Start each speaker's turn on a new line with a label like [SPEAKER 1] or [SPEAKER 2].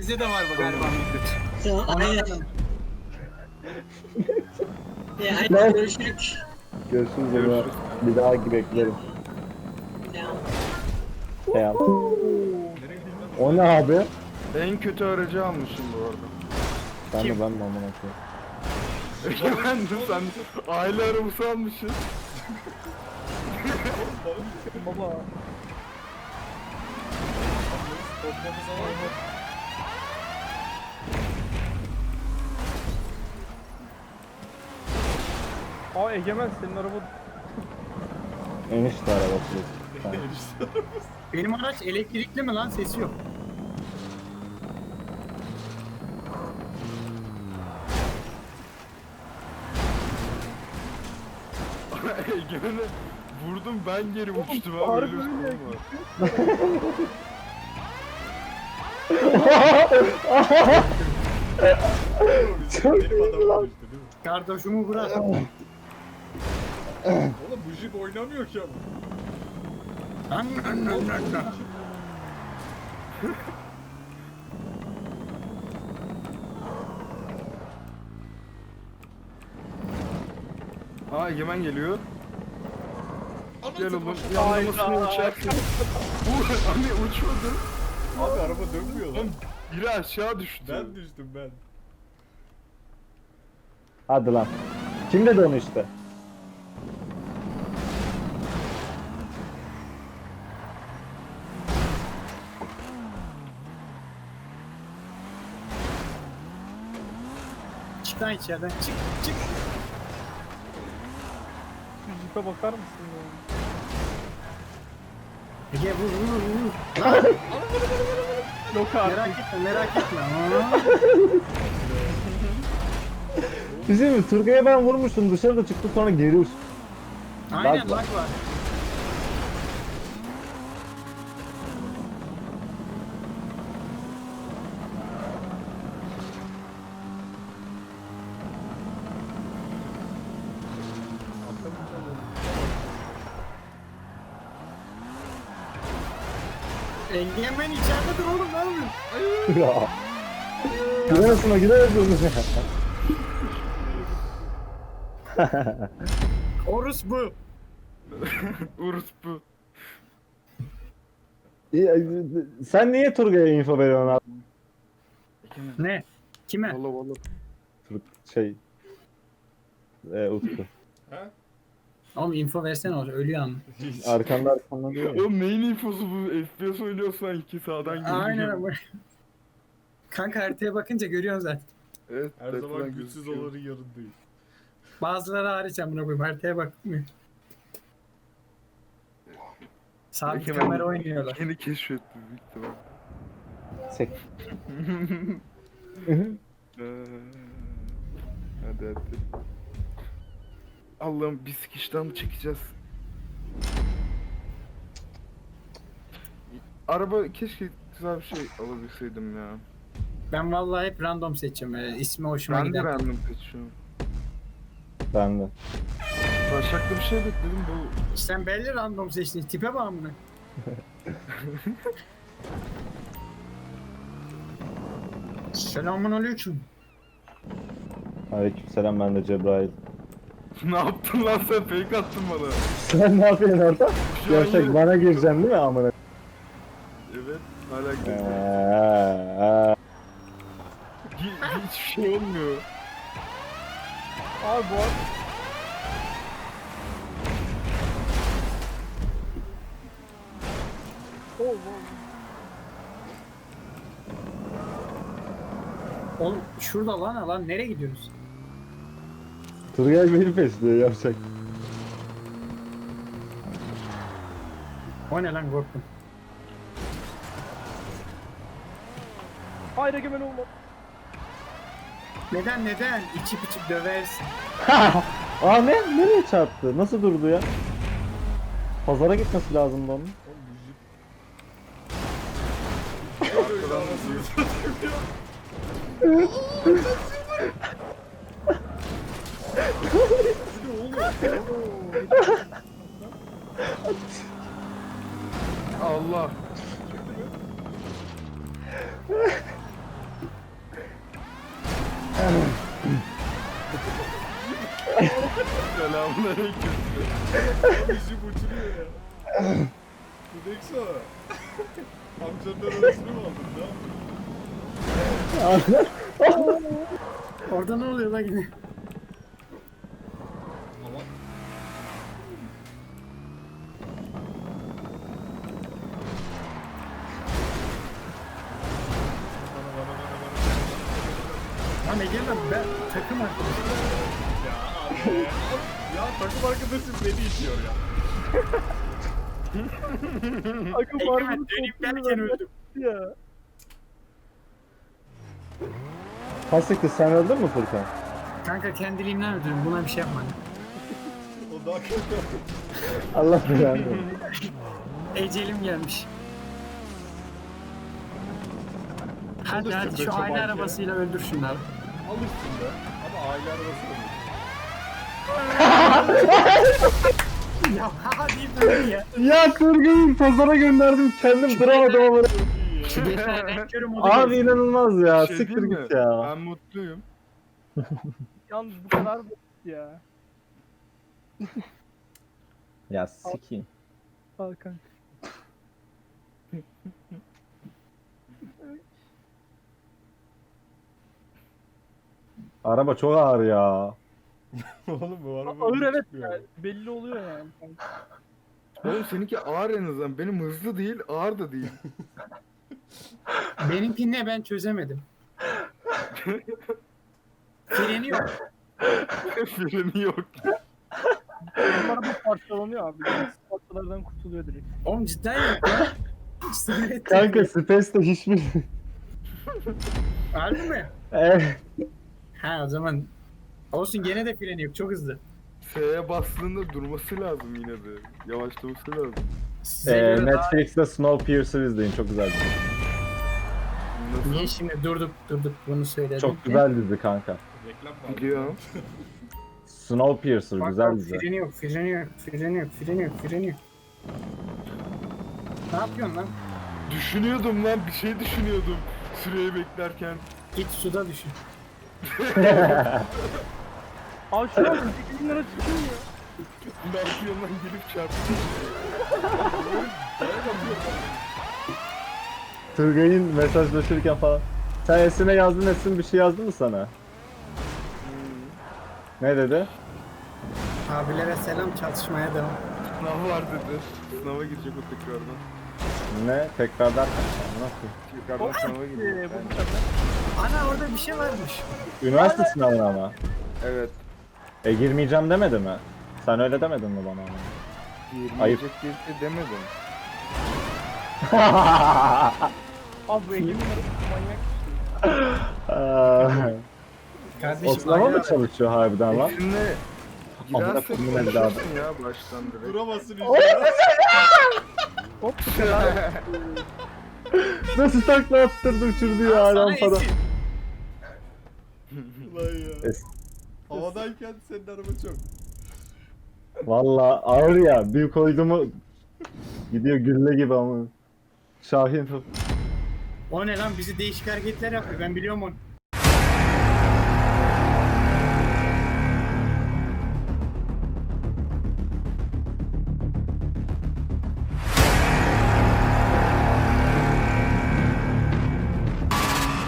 [SPEAKER 1] Bizde de var bu galiba Mevlüt.
[SPEAKER 2] Aynen. Aynen görüşürük.
[SPEAKER 3] Görüşürüz ama bir daha beklerim. Ya. O ne abi?
[SPEAKER 4] En kötü aracı almışım bu arada.
[SPEAKER 3] Ben de amına koyayım.
[SPEAKER 4] Ben de sen aile arabası almışsın.
[SPEAKER 5] Baba. Aa Egemen senin araba
[SPEAKER 3] Enişte arabası. Tamam.
[SPEAKER 1] Benim araç elektrikli mi lan? Sesi yok.
[SPEAKER 4] Egemen'e vurdum ben geri uçtum abi.
[SPEAKER 5] harbi
[SPEAKER 4] Öyle bir
[SPEAKER 5] öyle.
[SPEAKER 4] sorun var.
[SPEAKER 3] Çok
[SPEAKER 6] Benim adamım düştü değil mi?
[SPEAKER 1] Kardeşimi bırak.
[SPEAKER 6] Oğlum bu jip oynamıyor ki ama.
[SPEAKER 4] Aa Egemen geliyor. Gel
[SPEAKER 6] Anlatın
[SPEAKER 4] oğlum.
[SPEAKER 6] bakalım.
[SPEAKER 4] Yanlamasını uçarsın. Hani uçmadı.
[SPEAKER 6] Abi araba dönmüyor lan.
[SPEAKER 4] Oğlum biri aşağı düştü.
[SPEAKER 6] Ben düştüm ben.
[SPEAKER 3] Hadi lan. Kim dedi onu işte?
[SPEAKER 1] Çık lan içeriden. Çık çık.
[SPEAKER 5] şu jipe bakar mısın ya?
[SPEAKER 1] Ege vur vur vur.
[SPEAKER 5] Yok artık.
[SPEAKER 1] Merak etme merak etme. Aa.
[SPEAKER 3] Bizim Turgay'a ben vurmuştum dışarıda çıktı sonra geri uçtu.
[SPEAKER 1] Aynen
[SPEAKER 3] Bak.
[SPEAKER 1] lag var. Egemen içeride dur oğlum ne yapıyorsun?
[SPEAKER 3] Ya. Gidersin gidersin.
[SPEAKER 1] Orus bu.
[SPEAKER 4] Urus bu.
[SPEAKER 3] Sen niye Turgay'a info veriyorsun abi?
[SPEAKER 1] Ne? Kime?
[SPEAKER 4] Valla valla.
[SPEAKER 3] Şey. Utku.
[SPEAKER 6] Ha?
[SPEAKER 1] Oğlum info versene orada ölüyor ama.
[SPEAKER 3] Arkanda diyor ya.
[SPEAKER 4] Oğlum neyin infosu bu? FPS oynuyorsan iki sağdan geliyor.
[SPEAKER 1] Aynen ama. Kanka haritaya bakınca görüyorsun zaten.
[SPEAKER 4] Evet.
[SPEAKER 6] Her
[SPEAKER 4] haritadan
[SPEAKER 6] zaman güçsüz
[SPEAKER 4] gözüküyor.
[SPEAKER 6] olanın yanındayım.
[SPEAKER 1] Bazıları hariç amına koyayım haritaya bakmıyor. Sabit
[SPEAKER 4] Egemen
[SPEAKER 1] kamera oynuyorlar.
[SPEAKER 4] Yeni keşfetti büyük ihtimal.
[SPEAKER 3] Sek.
[SPEAKER 4] Hadi hadi. Allah'ım bir sikişten mı çekeceğiz? Araba keşke güzel bir şey alabilseydim ya.
[SPEAKER 1] Ben vallahi hep random seçiyorum. İsmi hoşuma
[SPEAKER 4] Ben de
[SPEAKER 1] gider.
[SPEAKER 4] random seçiyorum.
[SPEAKER 3] Ben de.
[SPEAKER 4] Başaklı bir şey bekledim bu.
[SPEAKER 1] Sen belli random seçtin. Tipe bak amına. Selamun aleyküm.
[SPEAKER 3] Aleykümselam ben de Cebrail.
[SPEAKER 4] Ne yaptın lan sen fake attın bana.
[SPEAKER 3] Sen ne yapıyorsun orada?
[SPEAKER 4] Şu an
[SPEAKER 3] Gerçek
[SPEAKER 4] yine-
[SPEAKER 3] bana gireceksin değil mi amına?
[SPEAKER 4] Evet. Hala gidiyor. Hiçbir şey olmuyor.
[SPEAKER 5] Abi bu arada oh,
[SPEAKER 1] Oğlum şurada lan nereye gidiyorsunuz?
[SPEAKER 3] Turgay beni pesliyor yapacak.
[SPEAKER 1] O ne lan korktum.
[SPEAKER 5] hayır Egemen olma.
[SPEAKER 1] Neden? İçip içip döversin.
[SPEAKER 3] Aa ne? Nereye çarptı? Nasıl durdu ya? Pazara gitmesi lazımdı onun.
[SPEAKER 6] Oğlum bu jip. Böyle anasını satayım ya. Bu ne oğlum?
[SPEAKER 4] Allah. Selamünaleyküm.
[SPEAKER 6] Bizi uçuruyor ya. Budekso. Amcanın arasını mı aldın ya?
[SPEAKER 1] Orada ne oluyor lan yine?
[SPEAKER 6] Ama
[SPEAKER 1] Lan Egemen ben takım arkadaşım.
[SPEAKER 6] ya takım arkadaşım beni itiyor ya.
[SPEAKER 5] Akın
[SPEAKER 1] Egemen dönüp derken öldüm.
[SPEAKER 5] ya.
[SPEAKER 3] Hasıktı sen öldün mü Furkan?
[SPEAKER 1] Kanka kendiliğimden öldürdüm. Buna bir şey yapmadım.
[SPEAKER 6] O daha kötü.
[SPEAKER 3] Allah belanı.
[SPEAKER 1] Ecelim gelmiş. Hadi
[SPEAKER 6] Alırsın
[SPEAKER 1] hadi
[SPEAKER 6] be
[SPEAKER 1] şu aile
[SPEAKER 6] çoban ya.
[SPEAKER 1] arabasıyla öldür şunları.
[SPEAKER 6] Alırsın be. Ama aile arabası da değil.
[SPEAKER 1] Ya ha deyip öldü ya.
[SPEAKER 3] Ya Turgay'ı pazara gönderdim kendim duramadım ama.
[SPEAKER 1] Şu geçen renkörü modu
[SPEAKER 3] Abi inanılmaz ya.
[SPEAKER 4] Bir şey
[SPEAKER 3] Siktir
[SPEAKER 4] diyeyim
[SPEAKER 3] git
[SPEAKER 4] mi?
[SPEAKER 3] ya.
[SPEAKER 4] Ben mutluyum.
[SPEAKER 5] Yalnız bu kadar basit ya.
[SPEAKER 3] Ya sikeyim.
[SPEAKER 5] Al kanka.
[SPEAKER 3] Araba çok ağır ya.
[SPEAKER 6] Oğlum bu araba
[SPEAKER 5] Ağır evet
[SPEAKER 6] çıkmıyor.
[SPEAKER 5] ya. Belli oluyor yani. kanka.
[SPEAKER 4] Oğlum seninki ağır en azından. Benim hızlı değil, ağır da değil.
[SPEAKER 1] Benimki ne ben çözemedim. Freni yok.
[SPEAKER 4] Freni yok.
[SPEAKER 5] Onlar bu parçalanıyor abi. Parçalardan kurtuluyor direkt.
[SPEAKER 1] Oğlum cidden yok ya. Sinir ettim.
[SPEAKER 3] Kanka Space'de hiçbir...
[SPEAKER 1] Harbi mi?
[SPEAKER 3] Evet.
[SPEAKER 1] Ha o zaman olsun gene de freni yok çok hızlı.
[SPEAKER 4] S'ye bastığında durması lazım yine de. Yavaşlaması lazım.
[SPEAKER 1] Size göre daha...
[SPEAKER 3] Netflix'te Snowpiercer izleyin çok güzel dizi.
[SPEAKER 4] Nasıl?
[SPEAKER 1] Niye şimdi durduk bunu söyledim.
[SPEAKER 3] Çok güzel dizi kanka.
[SPEAKER 6] Reklam var.
[SPEAKER 4] Biliyorum.
[SPEAKER 3] Snowpiercer
[SPEAKER 1] Bak,
[SPEAKER 3] güzel
[SPEAKER 1] bak,
[SPEAKER 3] dizi.
[SPEAKER 1] freni yok freni yok freni yok freni yok freni yok. Ne yapıyorsun lan?
[SPEAKER 4] Düşünüyordum lan, bir şey düşünüyordum. Süreyi beklerken.
[SPEAKER 1] Git suda düşün.
[SPEAKER 5] Abi şu an 8 lira çıkıyor ya.
[SPEAKER 4] Ne yapıyorsun lan, gelip çarptı.
[SPEAKER 3] Turgay'ın mesajlaşırken falan. Sen Esin'e yazdın, Esin bir şey yazdı mı sana? Ne dedi?
[SPEAKER 1] Abilere selam çalışmaya devam.
[SPEAKER 4] Sınav var dedi. Sınava girecek o tekrardan.
[SPEAKER 3] Ne? Tekrardan nasıl?
[SPEAKER 4] Tekrardan sınava girecek.
[SPEAKER 5] Bu bıçaklar.
[SPEAKER 1] Ana orada bir şey varmış.
[SPEAKER 3] Üniversite sınavına ama.
[SPEAKER 4] Evet.
[SPEAKER 3] Girmeyeceğim demedi mi? Sen öyle demedin mi bana ama? Ayıp.
[SPEAKER 4] Girmeyecek diye bir şey demedim.
[SPEAKER 5] Abi bu Ege'nin arası manyak.
[SPEAKER 1] Kardeşim
[SPEAKER 3] O sınava
[SPEAKER 1] aile
[SPEAKER 3] mı çalışıyor harbiden lan?
[SPEAKER 4] Esinle
[SPEAKER 3] Amına
[SPEAKER 4] girersek
[SPEAKER 3] koyayım evladım.
[SPEAKER 4] konuşursun ya baştan direkt.
[SPEAKER 6] Duramasın işte.
[SPEAKER 5] Hop bu kadar.
[SPEAKER 3] Nasıl takla attırdı uçurdu ya
[SPEAKER 1] Sana
[SPEAKER 3] rampada.
[SPEAKER 1] Esin.
[SPEAKER 6] Ulan ya.
[SPEAKER 3] Es-
[SPEAKER 6] Havadayken senin araba çok.
[SPEAKER 3] Valla ağır ya. Bir koydu mu gidiyor gülle gibi ama. Şahin.
[SPEAKER 1] O ne lan bizi değişik hareketler yapıyor ben biliyorum onu.